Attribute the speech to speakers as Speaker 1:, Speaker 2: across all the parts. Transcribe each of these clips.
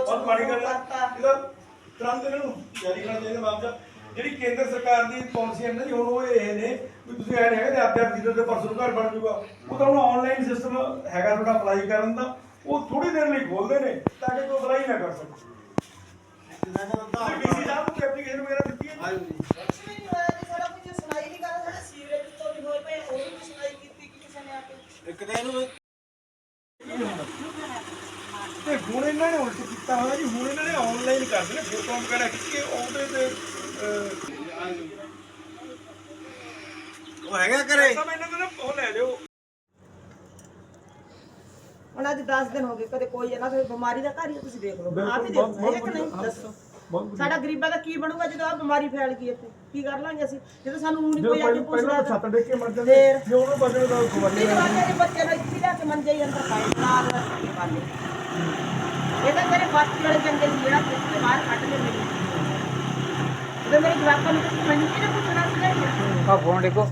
Speaker 1: ਬਹੁਤ ਮਾੜੀ ਗੱਲ ਹੈ ਇਹਦਾ ਤੁਰੰਤ ਇਹਨਾਂ ਨੂੰ ਜਾਰੀ ਕਰਨਾ ਚਾਹੀਦਾ ਮਾਮਲਾ। ਜਿਹੜੀ ਕੇਂਦਰ ਸਰਕਾਰ ਦੀ ਪਾਲਿਸੀ ਹੈ ਨਾ ਜੀ, ਹੁਣ ਉਹ ਇਹ ਨੇ ਵੀ ਤੁਸੀਂ ਐ ਹੈਗਾ ਤੇ ਆਪਦੇ ਜੀਰੋ ਦੇ ਪਰਸੋਂ ਘਰ ਬਣ ਜੂਗਾ। ਉਹ ਤਾਂ ਹੁਣ ਆਨਲਾਈਨ ਸਿਸਟਮ ਹੈਗਾ ਤੁਹਾਡਾ ਅਪਲਾਈ ਕਰਨ ਦਾ, ਉਹ ਥੋੜੀ ਦੇਰ ਲਈ ਖੋਲਦੇ ਨੇ ਤਾਂ ਕਿ ਕੋਈ ਅਪਲਾਈ ਨਾ ਕਰ ਸਕੇ। ਡੀਸੀ ਸਾਹਿਬ ਨੂੰ ਐਪਲੀਕੇਸ਼ਨ ਵਗੈਰਾ ਦਿੱਤੀ ਹੈ ਜੀ?
Speaker 2: ਇੱਕ ਦਿਨ ਨੂੰ
Speaker 1: ਤੇ ਹੁਣ ਇਹਨਾਂ ਨੇ ਉਲਟ ਕੀਤਾ ਹੋਇਆ ਜੀ, ਹੁਣ ਇਹਨਾਂ ਨੇ ਆਨਲਾਈਨ ਕਰ ਦੇਣਾ ਫੋਟੋ ਵਗੈਰਾ ਖਿੱਚ ਕੇ ਉਹਦੇ ਤੇ
Speaker 2: ਉਹ ਹੈਗਾ ਘਰੇ
Speaker 1: ਸਭ ਇਹਨਾਂ ਦਾ ਉਹ ਲੈ ਲਿਓ।
Speaker 3: ਹੁਣ ਅੱਜ 10 ਦਿਨ ਹੋ ਗਏ ਕਦੇ ਕੋਈ ਇਹਨਾਂ ਕੋਈ ਬਿਮਾਰੀ ਦਾ ਘਰ ਹੀ ਤੁਸੀਂ ਦੇਖ ਲਓ, ਆਪ ਹੀ ਦੇਖੋ ਹੈ ਕਿ ਨਹੀਂ ਦੱਸੋ। ਸਾਡਾ ਗਰੀਬਾਂ ਦਾ ਕੀ ਬਣੂਗਾ ਜਦੋਂ ਆ ਬਿਮਾਰੀ ਫੈਲ ਗਈ ਇੱਥੇ? ਕੀ ਕਰ ਲਾਂਗੇ ਅਸੀਂ ਜਦੋਂ ਸਾਨੂੰ ਹੁਣ ਕੋਈ ਆ ਕੇ ਪੁੱਛਦਾ
Speaker 1: ਛੱਤ ਡੇਕ ਕੇ ਮਰ ਜਾਂਦੇ ਜੇ ਉਹਨੂੰ ਬਚਣ ਦਾ ਖਵਾਲੀ
Speaker 3: ਮੇਰੇ ਬੱਚੇ ਨੂੰ ਇੱਥੇ ਲਿਆ ਕੇ ਮੰਜੇ ਹੀ ਅੰਦਰ ਪਾਏ ਨਾਲ ਪਾਲੇ। ਇਹ ਤਾਂ ਮੇਰੇ ਬਾਕੀ ਵਾਲੇ ਚੰਗੇ ਸੀ ਜਿਹੜਾ ਕਿੱਥੇ ਬਾਹਰ ਕੱਢ ਕੇ ਮੇਰੇ ਜਦੋਂ ਮੇਰੇ ਜਵਾਕਾਂ ਨੂੰ ਕੁਝ ਮੈਨੂੰ ਕਿਹਨੇ ਪੁੱਛਣਾ ਸੀ?
Speaker 2: ਆ ਫੋਨ ਦੇਖੋ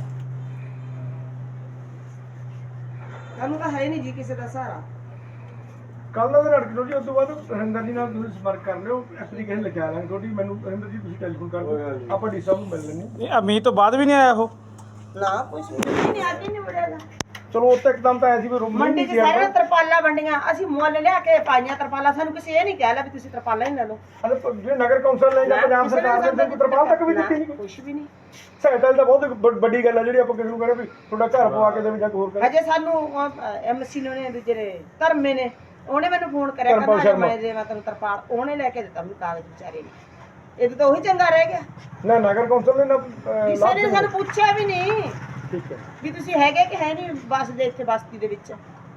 Speaker 3: ਸਾਨੂੰ ਤਾਂ ਹੈ ਨਹੀਂ ਜੀ ਕਿਸੇ ਦਾ ਸਹਾਰਾ।
Speaker 1: ਕੱਲ ਦਾ ਲੜਕੀ ਤੋਂ ਜੀ ਉਸ ਤੋਂ ਬਾਅਦ ਹਰਿੰਦਰ ਜੀ ਨਾਲ ਤੁਸੀਂ ਸੰਪਰਕ ਕਰ ਲਿਓ, ਐਪਲੀਕੇਸ਼ਨ ਲਿਖਾ ਲਾਂਗੇ ਤੁਹਾਡੀ। ਮੈਨੂੰ ਹਰਿੰਦਰ ਜੀ ਤੁਸੀਂ ਟੈਲੀਫੋਨ ਕਰ ਦਿਓ, ਆਪਾਂ ਡੀ ਸਾਹਿਬ ਨੂੰ ਮਿਲ ਲੈਂਦੇ।
Speaker 2: ਇਹ ਅਮੀਤ ਤੋਂ ਬਾਅਦ ਵੀ ਨਹੀਂ ਆਇਆ ਉਹ?
Speaker 3: ਨਾ ਕੁਝ ਨਹੀਂ ਅੱਜ ਹੀ ਨਹੀਂ ਮੁੜੇਗਾ।
Speaker 1: ਚਲੋ ਉੱਤੇ ਇੱਕਦਮ ਤਾਂ ਐਸੀ ਵੀ ਰੂਮ
Speaker 3: ਮੰਡੀ 'ਚ ਸਾਰੇ ਤਰਪਾਲਾਂ ਵੰਡੀਆਂ ਅਸੀਂ ਮੁੱਲ ਲਿਆ ਕੇ ਪਾਈਆਂ ਤਰਪਾਲਾਂ। ਸਾਨੂੰ ਕਿਸੇ ਇਹ ਨਹੀਂ ਕਿਹਾ ਲੈ ਵੀ ਤੁਸੀਂ ਤਰਪਾਲਾਂ ਹੀ ਲੈ ਲਓ।
Speaker 1: ਜੇ ਨਗਰ ਕੌਂਸਲ ਨੇ ਜਾਂ ਪੰਜਾਬ ਸਰਕਾਰ ਨੇ ਕੋਈ ਤਰਪਾਲ ਤੱਕ ਵੀ ਦਿੱਤੀ ਨਹੀਂ,
Speaker 3: ਕੁਝ ਵੀ ਨਹੀਂ।
Speaker 1: ਸਹਾਇਤਾ ਤਾਂ ਬਹੁਤ ਵੱਡੀ ਗੱਲ ਹੈ ਜਿਹੜੀ ਆਪਾਂ ਕਿਸੇ ਨੂੰ ਕਹਿੰਦੇ ਵੀ ਤੁਹਾਡਾ ਘਰ ਪਵਾ ਕੇ ਦੇਵੇ ਜਾਂ ਕੋਈ ਹੋਰ ਕਰੇ।
Speaker 3: ਅਜੇ ਸਾਨੂੰ ਐਮਸੀ ਨੇ ਜਿਹੜੇ ਧਰਮੇ ਨੇ ਉਹਨੇ ਮੈਨੂੰ ਫੋਨ ਕਰਿਆ ਕਹਿੰਦਾ ਮੈਂ ਦੇਵਾਂ ਤੈਨੂੰ ਤਰਪਾਲ, ਉਹਨੇ ਲੈ ਕੇ ਦਿੱਤਾ ਮੈਨੂੰ ਕਾਗਜ਼ ਵਿਚਾਰੇ ਨੇ। ਇਹ ਤਾਂ ਉਹੀ ਚੰਗਾ ਰਹਿ ਗਿਆ
Speaker 1: ਨਾ ਨਗਰ ਕੌਂਸਲ ਨੇ ਨਾ
Speaker 3: ਕਿਸੇ ਨੇ ਸਾਨੂੰ ਪੁੱਛਿਆ ਵੀ ਨਹੀਂ
Speaker 1: ਠੀਕ ਹੈ
Speaker 3: ਵੀ ਤੁਸੀਂ ਹੈਗੇ ਕਿ ਹੈ ਨਹੀਂ ਬੱਸ ਦੇ ਇੱਥੇ ਬਸਤੀ ਦੇ ਵਿੱਚ।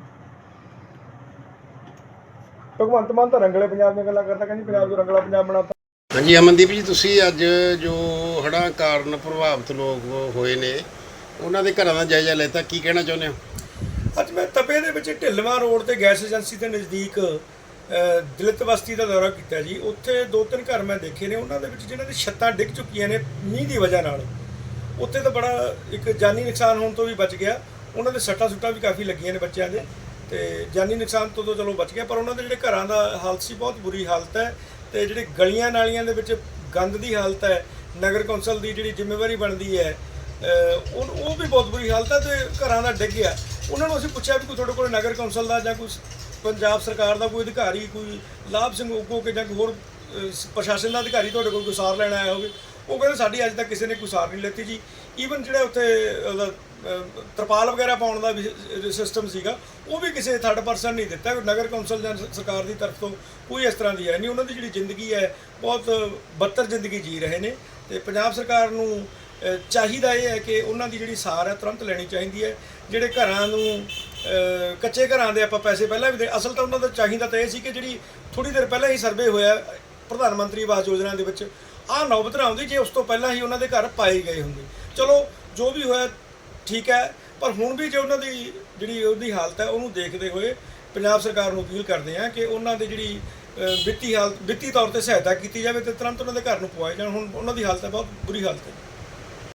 Speaker 1: ਭਗਵੰਤ ਮਾਨ ਤਾਂ ਰੰਗਲੇ ਪੰਜਾਬ ਦੀਆਂ ਗੱਲਾਂ ਕਰਦਾ, ਕਹਿੰਦੀ ਪੰਜਾਬ ਨੂੰ ਰੰਗਲਾ ਪੰਜਾਬ ਬਣਾਤਾ।
Speaker 4: ਹਾਂਜੀ ਅਮਨਦੀਪ ਜੀ, ਤੁਸੀਂ ਅੱਜ ਜੋ ਹੜ੍ਹਾਂ ਕਾਰਨ ਪ੍ਰਭਾਵਿਤ ਲੋਕ ਹੋਏ ਨੇ ਉਹਨਾਂ ਦੇ ਘਰਾਂ ਦਾ ਜਾਇਜ਼ਾ ਲੈਤਾ, ਕੀ ਕਹਿਣਾ ਚਾਹੁੰਦੇ ਹੋ?
Speaker 1: ਅੱਜ ਮੈਂ ਤਪੇ ਦੇ ਵਿੱਚ ਢਿੱਲਵਾਂ ਰੋਡ ਤੇ ਗੈਸ ਏਜੰਸੀ ਦੇ ਨਜ਼ਦੀਕ ਦਲਿਤ ਬਸਤੀ ਦਾ ਦੌਰਾ ਕੀਤਾ ਜੀ। ਉੱਥੇ 2-3 ਘਰ ਮੈਂ ਦੇਖੇ ਨੇ, ਉਹਨਾਂ ਦੇ ਵਿੱਚ ਜਿਨ੍ਹਾਂ ਦੀ ਛੱਤਾਂ ਡਿੱਗ ਚੁੱਕੀਆਂ ਨੇ ਮੀਂਹ ਦੀ ਵਜ੍ਹਾ ਨਾਲ। ਉੱਥੇ ਤਾਂ ਬੜਾ ਇੱਕ ਜਾਨੀ ਨੁਕਸਾਨ ਹੋਣ ਤੋਂ ਵੀ ਬਚ ਗਿਆ। ਉਹਨਾਂ ਦੇ ਸੱਟਾਂ ਸੁੱਟਾਂ ਵੀ ਕਾਫੀ ਲੱਗੀਆਂ ਨੇ ਬੱਚਿਆਂ ਦੇ, ਤੇ ਜਾਨੀ ਨੁਕਸਾਨ ਤੋਂ ਤਾਂ ਚਲੋ ਬਚ ਗਿਆ, ਪਰ ਉਹਨਾਂ ਦੇ ਜਿਹੜੇ ਘਰਾਂ ਦਾ ਹਾਲਤ ਸੀ ਬਹੁਤ ਬੁਰੀ ਹਾਲਤ ਹੈ। ਤੇ ਜਿਹੜੇ ਗਲੀਆਂ ਨਾਲੀਆਂ ਦੇ ਵਿੱਚ ਗੰਦ ਦੀ ਹਾਲਤ ਹੈ, ਨਗਰ ਕੌਂਸਲ ਦੀ ਜਿਹੜੀ ਜ਼ਿੰਮੇਵਾਰੀ ਬਣਦੀ ਹੈ ਉਹ ਵੀ ਬਹੁਤ ਬੁਰੀ ਹਾਲਤ ਹੈ। ਤੇ ਘਰਾਂ ਦਾ ਡਿੱਗ ਗਿਆ। ਉਹਨਾਂ ਨੂੰ ਅਸੀਂ ਪੁੱਛਿਆ ਵੀ ਕੋਈ ਤੁਹਾਡੇ ਕੋਲ ਨਗਰ ਕੌਂਸਲ ਦਾ ਜਾਂ ਕੋਈ ਪੰਜਾਬ ਸਰਕਾਰ ਦਾ ਕੋਈ ਅਧਿਕਾਰੀ, ਕੋਈ ਲਾਭ ਸਿੰਘ ਉਗੋ ਕੇ ਜਾਂ ਕੋਈ ਹੋਰ ਪ੍ਰਸ਼ਾਸਨ ਦਾ ਅਧਿਕਾਰੀ ਤੁਹਾਡੇ ਕੋਲ ਕੋਈ ਸਾਰ ਲੈਣ ਆਇਆ ਹੋਵੇ? ਉਹ ਕਹਿੰਦੇ ਸਾਡੀ ਅੱਜ ਤੱਕ ਕਿਸੇ ਨੇ ਕੋਈ ਸਾਰ ਨਹੀਂ ਲੈਤੀ ਜੀ। ਈਵਨ ਜਿਹੜਾ ਉੱਥੇ ਉਹਦਾ ਤਰਪਾਲ ਵਗੈਰਾ ਪਾਉਣ ਦਾ ਵੀ ਸਿਸਟਮ ਸੀਗਾ ਉਹ ਵੀ ਕਿਸੇ ਥਰਡ ਪਰਸਨ ਨਹੀਂ ਦਿੱਤਾ। ਨਗਰ ਕੌਂਸਲ ਜਾਂ ਸਰਕਾਰ ਦੀ ਤਰਫ ਤੋਂ ਕੋਈ ਇਸ ਤਰ੍ਹਾਂ ਦੀ ਹੈ ਨਹੀਂ। ਉਹਨਾਂ ਦੀ ਜਿਹੜੀ ਜ਼ਿੰਦਗੀ ਹੈ ਬਹੁਤ ਬੱਤਰ ਜ਼ਿੰਦਗੀ ਜੀ ਰਹੇ ਨੇ। ਤੇ ਪੰਜਾਬ ਸਰਕਾਰ ਨੂੰ ਚਾਹੀਦਾ ਇਹ ਹੈ ਕਿ ਉਹਨਾਂ ਦੀ ਜਿਹੜੀ ਸਾਰ ਹੈ ਤੁਰੰਤ ਲੈਣੀ ਚਾਹੀਦੀ ਹੈ। ਜਿਹੜੇ ਘਰਾਂ ਨੂੰ ਕੱਚੇ ਘਰਾਂ ਦੇ ਆਪਾਂ ਪੈਸੇ ਪਹਿਲਾਂ ਵੀ ਦੇ, ਅਸਲ ਤਾਂ ਉਹਨਾਂ ਦਾ ਚਾਹੀਦਾ ਤਾਂ ਇਹ ਸੀ ਕਿ ਜਿਹੜੀ ਥੋੜ੍ਹੀ ਦੇਰ ਪਹਿਲਾਂ ਹੀ ਸਰਵੇ ਹੋਇਆ ਪ੍ਰਧਾਨ ਮੰਤਰੀ ਆਵਾਸ ਯੋਜਨਾ ਦੇ ਵਿੱਚ, ਆਹ ਨੌਬਤ ਨਾ ਆਉਂਦੀ ਜੇ ਉਸ ਤੋਂ ਪਹਿਲਾਂ ਹੀ ਉਹਨਾਂ ਦੇ ਘਰ ਪਾਏ ਗਏ ਹੁੰਦੇ। ਚਲੋ ਜੋ ਵੀ ਹੋਇਆ ਠੀਕ ਹੈ, ਪਰ ਹੁਣ ਵੀ ਜੇ ਉਹਨਾਂ ਦੀ ਜਿਹੜੀ ਉਹਦੀ ਹਾਲਤ ਹੈ ਉਹਨੂੰ ਦੇਖਦੇ ਹੋਏ ਪੰਜਾਬ ਸਰਕਾਰ ਨੂੰ ਅਪੀਲ ਕਰਦੇ ਹਾਂ ਕਿ ਉਹਨਾਂ ਦੀ ਜਿਹੜੀ ਵਿੱਤੀ ਤੌਰ ਤੇ ਸਹਾਇਤਾ ਕੀਤੀ ਜਾਵੇ ਤੇ ਤੁਰੰਤ ਉਹਨਾਂ ਦੇ ਘਰ ਨੂੰ ਪਵਾਏ ਜਾਣ। ਹੁਣ ਉਹਨਾਂ ਦੀ ਹਾਲਤ ਹੈ ਬਹੁਤ ਬੁਰੀ ਹਾਲਤ ਹੈ।